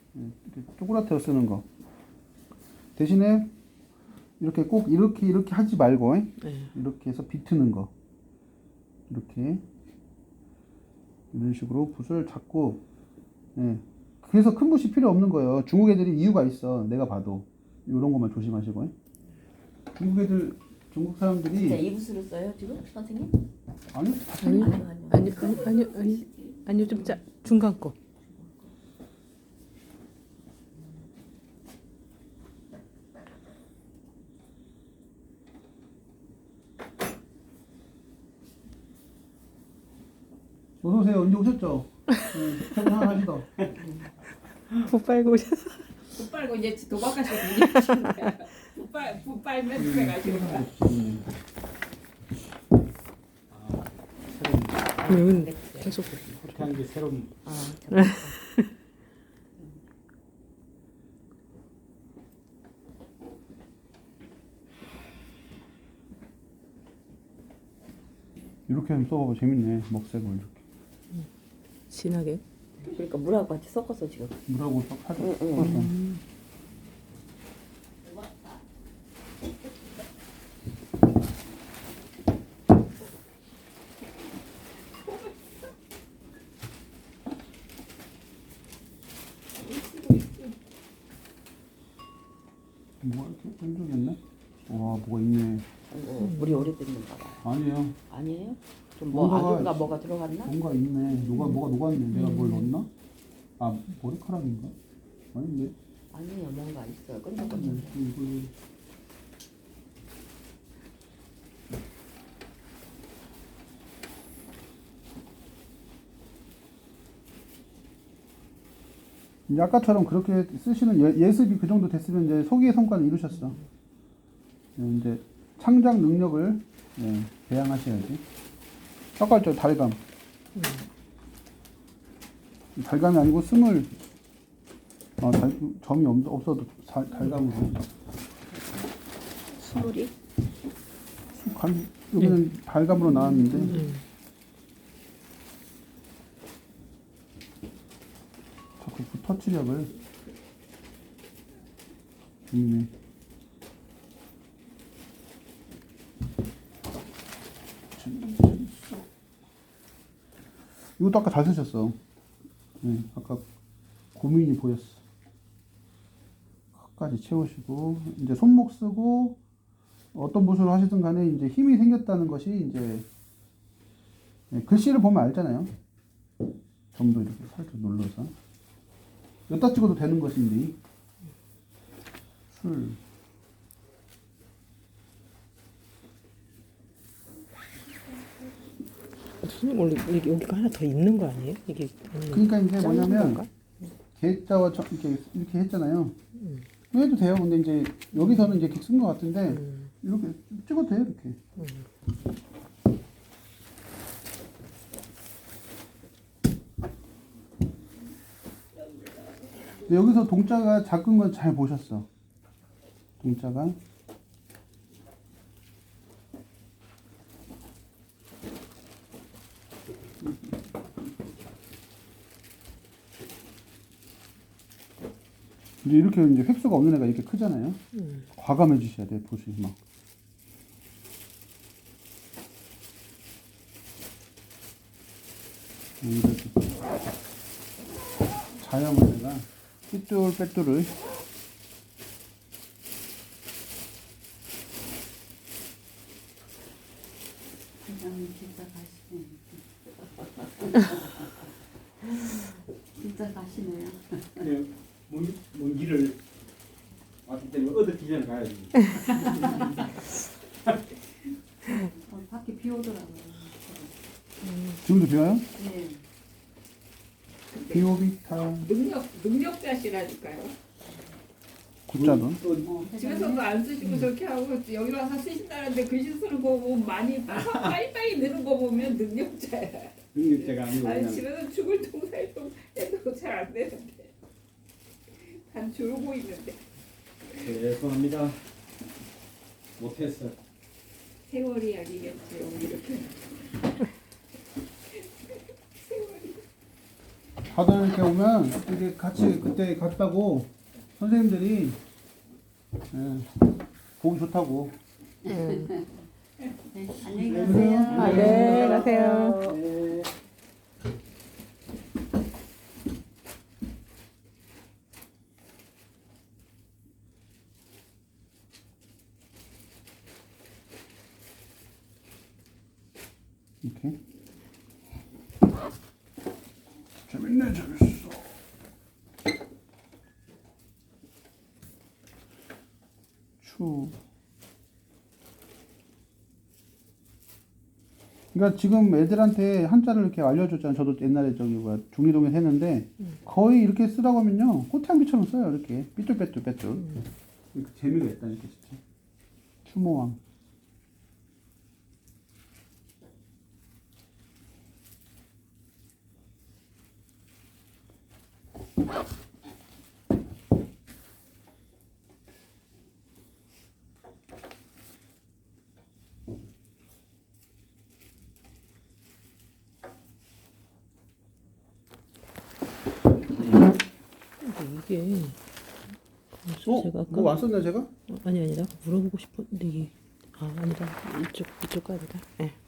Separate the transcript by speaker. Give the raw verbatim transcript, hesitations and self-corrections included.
Speaker 1: 이렇게 쪼그라뜨려 쓰는 거. 대신에 이렇게 꼭 이렇게 이렇게 하지 말고
Speaker 2: 네.
Speaker 1: 이렇게 해서 비트는 거. 이렇게 이런 식으로 붓을 잡고, 예. 그래서 큰 붓이 필요 없는 거예요. 중국 애들이 이유가 있어. 내가 봐도 이런 것만 조심하시고. 중국 애들, 중국 사람들이
Speaker 3: 진짜 이 붓으로 써요 지금 선생님?
Speaker 1: 아니
Speaker 2: 아니
Speaker 3: 아니,
Speaker 2: 아니 아니 아니 아니 아니 좀 짜, 중간 거.
Speaker 1: 어서 오세요. 언제 오셨죠? 네, 퇴근하시다.
Speaker 2: 붓 빨고 오셔서.
Speaker 3: 붓 빨고 이제 도박하시고 이제 붓 빨, 붓 빨면 집에 가시는 거야.
Speaker 2: 여기는 계속.
Speaker 4: 그렇게 하는 게 새로운.
Speaker 3: 아, 잠깐.
Speaker 1: 이렇게 좀 써봐봐. 재밌네. 먹색을 이렇게.
Speaker 2: 진하게.
Speaker 3: 그러니까 물하고 같이 섞어서 지금.
Speaker 1: 물하고 딱 살짝
Speaker 3: 응, 응.
Speaker 1: 섞어서. 뭐가 이렇게 끈적였네? 와, 뭐가 있네.
Speaker 3: 아이고, 물이 오래됐는가 봐요.
Speaker 1: 아니에요.
Speaker 3: 아니에요? 좀 뭐
Speaker 1: 뭔가가
Speaker 3: 아닌가 뭐가 들어갔나?
Speaker 1: 뭔가 있네. 누가 뭐가 녹았네. 내가 뭘 넣었나? 아, 머리카락인가? 아닌데.
Speaker 3: 아니에요, 뭔가 있어요.
Speaker 1: 음,
Speaker 3: 끈적끈적.
Speaker 1: 이거 이제 아까처럼 그렇게 쓰시는 예, 예습이 그 정도 됐으면 이제 소기의 성과를 이루셨어. 예, 이제 창작 능력을 예, 배양하셔야지. 아까 저 달감. 달감이 아니고 스물. 아, 달, 점이 없, 없어도 달, 달감으로.
Speaker 3: 스물이?
Speaker 1: 갈, 여기는 달감으로 나왔는데.
Speaker 2: 음.
Speaker 1: 자꾸 그 터치력을. 있네. 이것도 아까 잘 쓰셨어. 네, 아까 고민이 보였어. 끝까지 채우시고 이제 손목 쓰고 어떤 붓으로 하시든 간에 이제 힘이 생겼다는 것이 이제 네, 글씨를 보면 알잖아요. 점도 이렇게 살짝 눌러서 여기다 찍어도 되는 것인데 술.
Speaker 2: 선생님 원래 여기, 여기가 하나 더 있는 거 아니에요? 이게 아니면
Speaker 1: 그러니까 이제
Speaker 2: 자른
Speaker 1: 뭐냐면
Speaker 2: 건가?
Speaker 1: 개자와 저, 이렇게 이렇게 했잖아요. 해도 돼요. 근데 이제 여기서는 이제 이렇게 쓴 것 같은데
Speaker 2: 음.
Speaker 1: 이렇게 찍어도 돼요. 이렇게. 근데 여기서 동자가 작은 건 잘 보셨어. 동자가 이제 이렇게 이제 획수가 없는 애가 이렇게 크잖아요.
Speaker 2: 음.
Speaker 1: 과감해지셔야 돼. 보시 막. 이렇게 자연을 내가 삐뚤빼뚤을
Speaker 3: 회장님 진짜 가시네. 진짜 가시네요.
Speaker 4: 그 먼, 먼 길을 왔기 때문에 어떻게 전에 가야지.
Speaker 3: 어, 밖에 비 오더라고요.
Speaker 1: 지금도 비와요?
Speaker 3: 네.
Speaker 1: 비오비타
Speaker 5: 능력 능력자시라니까요.
Speaker 1: 굿자돈.
Speaker 4: 또
Speaker 3: 어,
Speaker 5: 집에서도 안 쓰시고 저렇게 하고 여기 와서 쓰신다는데 글씨 쓰는 거 보면 많이 빨리빨리 느는 거 보면 능력자야.
Speaker 4: 능력자가 아니고
Speaker 5: 아니
Speaker 4: 그냥
Speaker 5: 집에서 죽을 통살동 해도 잘 안 되는데 단 졸고 있는데
Speaker 4: 죄송합니다. 못했어.
Speaker 5: 세월이 아니겠지요 이렇게. 세월이.
Speaker 1: 바다 이렇게 오면 이렇게 같이 그때 갔다고 선생님들이 예, 보기 좋다고.
Speaker 2: 음.
Speaker 5: 네, 안녕히 가세요.
Speaker 2: 아, 네, 가세요.
Speaker 1: 네. 이렇게. 재밌네, 재밌어. 추. 그러니까 지금 애들한테 한자를 이렇게 알려줬잖아요. 저도 옛날에 저기 뭐야 중리동에서 했는데 거의 이렇게 쓰라고 하면요 꽃향기처럼 써요. 이렇게 삐뚤빼뚤 빼뚤. 이렇게 재미가 있다니까 진짜. 추모왕.
Speaker 2: 근데 이게
Speaker 1: 어?
Speaker 2: 제가 아까
Speaker 1: 뭐 왔었나 제가?
Speaker 2: 어, 아니 아니다 물어보고 싶었는데 이게 아 아니다 이쪽 이쪽 가야 되다. 예.